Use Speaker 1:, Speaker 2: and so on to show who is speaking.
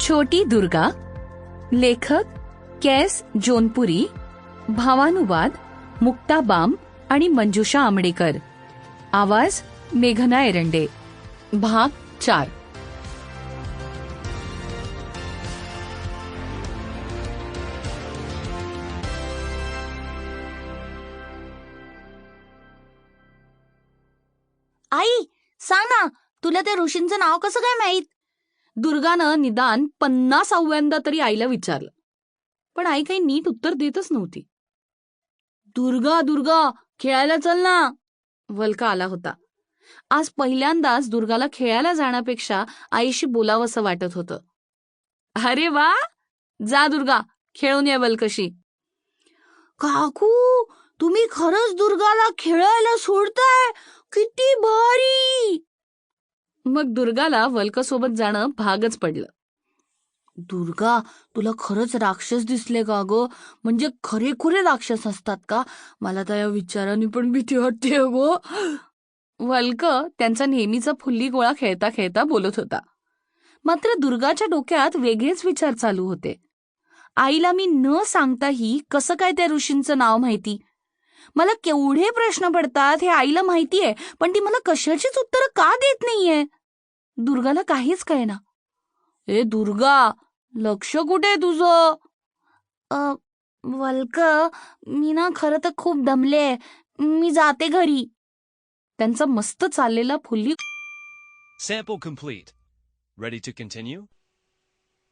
Speaker 1: छोटी दुर्गा, लेखक कैस जोनपुरी, भावानुवाद मुक्ता बाम आणि मंजुषा आमडेकर, आवाज मेघना एरंडे, भाग 4.
Speaker 2: आई सांग ना, तुला त्या ऋषींचं नाव कसं काय माहित?
Speaker 1: दुर्गानं निदान 50व्यांदा तरी आईला विचारलं, पण आई काही नीट उत्तर देतच नव्हती. दुर्गा दुर्गा खेळायला चल ना, वल्का आला होता. आज पहिल्यांदाच दुर्गाला खेळायला जाण्यापेक्षा आईशी बोलावंसं वाटत होतं. अरे वा, जा दुर्गा, खेळून ये वल्कशी.
Speaker 2: काकू, तुम्ही खरंच दुर्गाला खेळायला सोडताय? किती भारी!
Speaker 1: मग दुर्गाला वल्कसोबत जाणं भागच पडलं.
Speaker 2: दुर्गा, तुला खरंच राक्षस दिसले का ग? म्हणजे खरेखुरे राक्षस असतात का? मला तर या विचाराने पण भीती वाटते ग.
Speaker 1: वल्क त्यांचा नेहमीचा फुल्ली गोळा खेळता खेळता बोलत होता. मात्र दुर्गाच्या डोक्यात वेगळेच विचार चालू होते. आईला मी न सांगताही कसं काय त्या ऋषींचं नाव माहिती? मला केवढे प्रश्न पडतात हे आईला माहितीये, पण ती मला कशाचीच उत्तरं का देत नाहीये? दुर्गाला काहीच कळेना. ए दुर्गा, लक्ष कुठे तुझं?
Speaker 2: वल्क, मी ना खरं तर खूप दमले, मी जाते घरी.
Speaker 1: त्यांचा मस्त चाललेला fully
Speaker 3: Sample complete. Ready to continue?